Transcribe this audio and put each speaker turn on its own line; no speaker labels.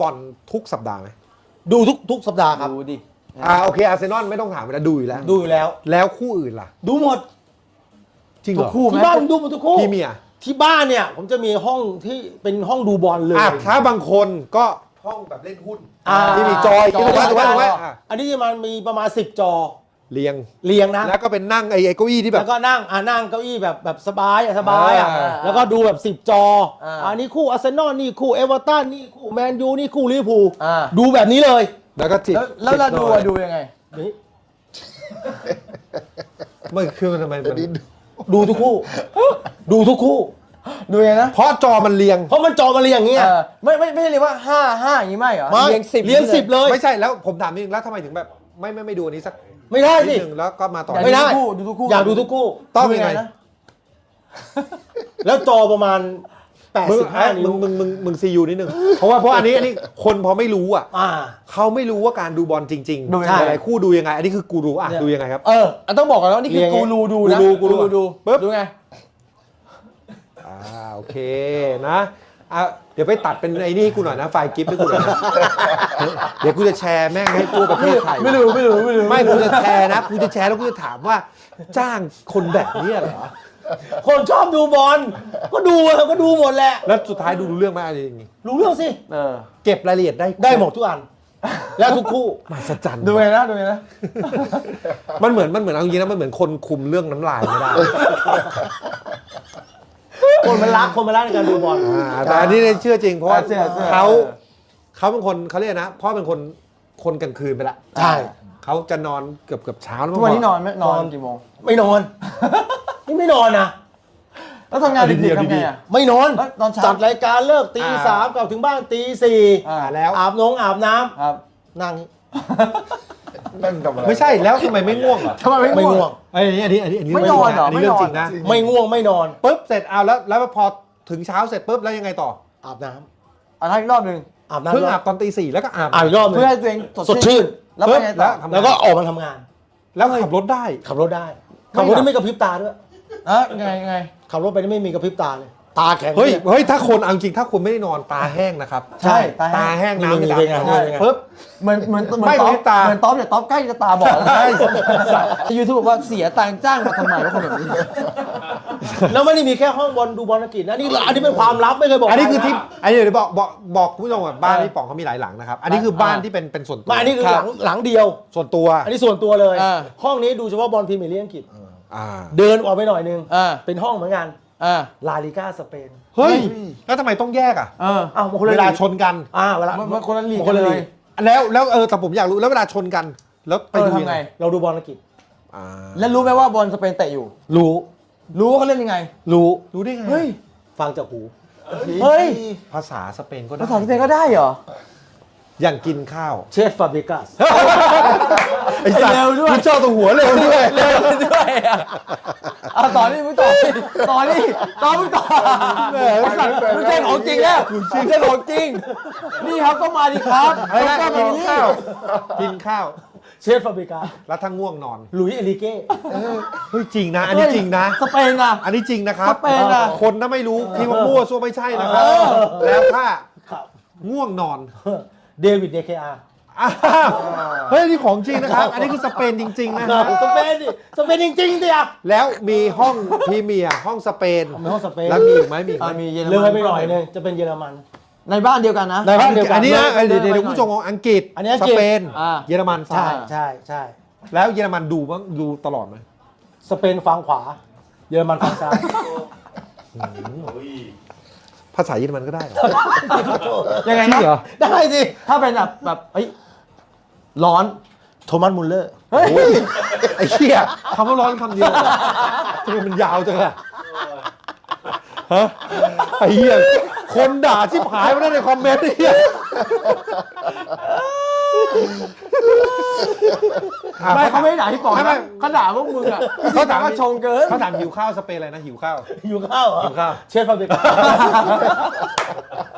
บอลทุกสัปดาห์ไหม
ดูทุกสัปดาห์ครับ
ดูดิ
โอเคอาร์เซนอลไม่ต้องถามแล้วดูอยู่แล้ว
ดูอยู่แล้ว
แล้วคู่อื่นล่ะ
ดูหมด
จริงเหรอ
คู่ไหม
ที่บ้านผมดูหมดทุกคู่
พี่เมีย
ที่บ้านเนี่ยผมจะมีห้องที่เป็นห้องดูบอลเลย
ถ้าบางคนก็ห้องแบบเล่นหุ้น
อ่า
ที่มีจอยถูกไหมถูกไหมถูกไหม
อันนี้มันมีประมาณ10 จอ
เรียง
เรียงนะ
แล้วก็เป็นนั่งไอ้เก้าอี้ที่แบ
แล้
บ
วก็นั่งเก้าอี้แบบสบายอ่ะ
อ่า
แล้วก็ดูแบบ10 จออันนี้คู่อาร์เซนอลนี่คู่เอเวอร์ตันนี่คู่แมนยูนี่คู่ลิเวอร์พูลดูแบบนี้เลย
แล้วก็จิบ
แล้วเราดูอะดูยังไง
นี่
มันคือมันทำไมมัน
ดูทุกคู่ ดูทุกคู่
ดูยังไงนะ
เพราะจอมันเรียง
เพราะมันจอมาเรียงอย่างเงี้ย
ไม่ใช่เลยว่า5อย่างนี้ไม่เหรอ
ไม่
เรียง10
เรียง10เลย
ไม่ใช่แล้วผมถามนิดนึงแล้วทำไมถึงแบบไม่ดูอันนี้สัก
ไม่ได้
นิ
สิ
ดนึงแล้วก็มาต่อ
ไม่ได้
ดูทุกคู่
อยากดูทุกคู่
ต้องยังไง
นะ
แล้วจอประมาณ
มึง
85 นิ้ว
มึงซียูนิดนึงเพราะว่าอันนี้คนพอไม่รู้อ่ะ
อ่า
เขาไม่รู้ว่าการดูบอลจริง
ดู
ๆ
ยังไง
หลายๆคู่ดูยังไง อันนี้คือกูรู้อ่ะ
เนี่ย
ดูยังไงครับ
ต้องบอกก่อนว่านี่คือ
เรียง
กูรูดูนะ
กูรู
ดู
ปึ๊บ
ดูไง
โอเคนะเดี๋ยวไปตัดเป็นไอ้นี่ให้กูหน่อยนะไฟล์กิฟต์ให้กูหน่อยนะเดี๋ยวกูจะแชร์แม่งให้ทั่วประเทศไทย
ไม่รู้
ไม่กูจะแชร์นะกูจะแชร์แล้วกูจะถามว่าจ้างคนแบบนี้เหรอ
คนชอบดูบอลก็ดูก็ดูหมดแหละ
แล้วสุดท้ายดูรู้เรื่องไหมอะไรอย่างงี้
รู้เรื่องสิ
เก็บรายละเอียดได้
ได้หมดทุกอัน แล้วทุกคู่
มหัศจรรย์
ดูไงนะดูไงนะ
มันเหมือนเอาจริงๆนะมันเหมือนคนคุมเรื่องน้ำลายไม่ได้
คนมันรักในการดูบอล
แต่อันนี้เนี่ยเชื่อจริงเพราะว่า
เชื่อ
เขาเป็นคนเขาเรียกนะเพราะเป็นคนกลางคืนไปละ
ใช่
เขาจะนอนเกือบเช้าแล้ว
ทุกวันนี้นอนไหมนอนกี่โมง
ไม่นอน นี่ไม่นอนนะ
แล้วทำงานดึกๆทำไงอ่ะ
ไม่นอน
แล้วตอนเช้า
จัดรายการเลิกตี 3กลับถึงบ้านตี
แล้ว
4อาบน้ำ
ครับ
นั่ง
ไม่ใช่แล้วทำไมไม่ง่วงเหรอ
ทำไมไม่
ไม่
ง่
ง่
ว
ว
ง
ง
อันนี้
ไม่นอนเหรอ
เรื่องจริงนะ
ไม่ง่วงไม่นอน
ปุ๊บเสร็จเอาแล้วพอถึงเช้าเสร็จปุ๊บแล้วยังไงต่อ
อาบน้
อ่ะอีกรอบหนึ่ง
ำอาบน้ำ
เพิ่งอาบตอนตี 4แล้วก็อาบ
อาบอีกรอบหนึง
เพื่อให้ตัวเอง
สดชื่น
แล้วไปไงต่อ
แล้วก็ออกมาทำงาน
แล้วขับรถได้
ขับรถได้ขับรถนี่ไม่กระพริบตาด้วย
ยังไง
ขับรถไปนี่ไม่มีกระพริบตาเลย ตาแข็ง
เฮ้ยถ้าคนเอาจริงถ้าคุณไม่ได้นอนตาแห้งนะครับ
ใช่
ตาแห้งน้ำ
นี่
จะ
เป็นไง
ดำ
เป็นไง
ปุ๊บ
เหมือน
ไม่
ต๊อ
มีตา
เหมือนต๊อบเนี่ยต๊อบใกล้จะตาบอดแล้วยูทูบบอกว่าเสียตังค์จ้างมาทำไมวะคนแบบนี้
แล้วไม่ได้มีแค่ห้องบอลดูบอลอังกฤษนะนี่อันนี้เป็นความลับไม่เคยบอก
อันนี้คือที่
ใรนะ
อันนี้เดี๋ยวบอกคุณผู้ชมก่อนบ้านพี่ป๋องเขามีหลายหลังนะครับ อันนี้คือบ้านที่เป็นส่วนตัว
ไม่อันนี้คือหลังเดียว
ส่วนตัว
อันนี้ส่วนตัวเลย
อ่า
ห้องนี้ดูเฉพาะบอลพรีเมียร์ลีกอังกฤษ
อ่า
เดินออกไปหน่อยนึง
อ่า
เป็นห้องเหมือนกัน
อ่า
ลาลิก้าสเปน
เฮ้ยแล้วทำไมต้องแยกอ่ะ
อ้าวมันคนละ
เวลา
ลีก
ชนกัน
เวลา
มันคนละลีก
คนละ
เล
ลี
ย
ก
แล้วแต่ผมอยากรู้แล้วเวลาชนกัน แล้วไปดู
ทำไง
เราดูบอลอังกฤษ
อ่า
แล้วรู้ไหมว่าบอลสเปนเตะอยู่
รู้
รู้ว่าเขาเล่นยังไง
รู้ได้ไง
เฮ้ย
ฟังจากหู
เฮ้ย
ภาษาสเปนก็ได้
ภาษาสเปนก็ได้เหรอ
อย่างกินข้าว
เชฟฟาเบกัส
ไอ้สัตว์
เร็วด้วย
คุณเจ้าตัวหัวเร็วด้วย
เร็วด้วยอ่ะต่อนี่มึงต่อนี่ต่อนี่ต่อมึงต่อไอ้สัตว์มึงใช่ของจริงแล้วมึงใช่ของจริง นี่ครับก็มาดิครับ
อะไรนะ
ก็มา
กิน
ดิ
ข้าวกินข้าว
เชฟฟาเบกัส
แล้วถ้าง่วงนอน
หลุยส์เอลิเก้
เฮ้ยจริงนะ อันนี้จริงนะ
สเปนอ่ะ
อันนี้จริงนะครับ
สเปนอะ
คนถ้าไม่รู้คิดว่ามั่วซั่วไม่ใช่นะครับ แล้วถ้า
ครับ
ง่วงนอน
เดวิดเดเคอาร์
อ้าวเฮ้ยนี่ของจริงนะครับ อันนี้คือสเปนจริงๆนะฮะ
สเปนดิสเปนจริงๆดิอ่ะ
แล้วมีห้องพรีเมียร์ห้องสเปน
มีห้องสเปน
แล้วมีอีกไหมมีอีกไหม
มีเยอร
เลย
มัน
ไปหน่อยนึงจะเป็นเยอรมัน
ในบ้านเดียวกันนะ
ในบ้านเดียวกัน
อันนี้นะ
เลย
เดี๋ยว
เลย
เดี๋ยวผู้ชมของอังกฤษ
อันนี้อัง
ส
กฤษ
เปน
อ่า
เยอรมัน
ใช่
ซ้าย
ใช่ใช่
แล้วเยอรมันดูบ้างดูตลอดไหม
สเปนฝั่งขวา เยอรมันฝั่งซ้าย
ภาษาเยอรมันก็ได้เหรอ
ยังไง
จริ
นะ
งเหรอ
ได้สิ
ถ้าเป็นแบบเฮ้ยร้อน
โทมัสมุลเลอร์
เฮ้ย
โอ้ยไอ้เหี้ยคำว่าร้อนคำเดียวทำไมมันยาวจังอะฮะไอ้เหี้ยคนด่าชิบหายมาได้ในคอมเมนต์ไอ้เหี้ย
ไม่เขาไม่ได้ด่าที่ปอก
ไม่
นะเขาด่าพวกมึงอ่ะ
เขาถาม
ว่าชงเกิน
เขาถามหิวข้าวสเปนอะไรนะหิวข้าว
อยู่ข้าวเหรอ
หิวข้าว
เชฟฟาเบกัส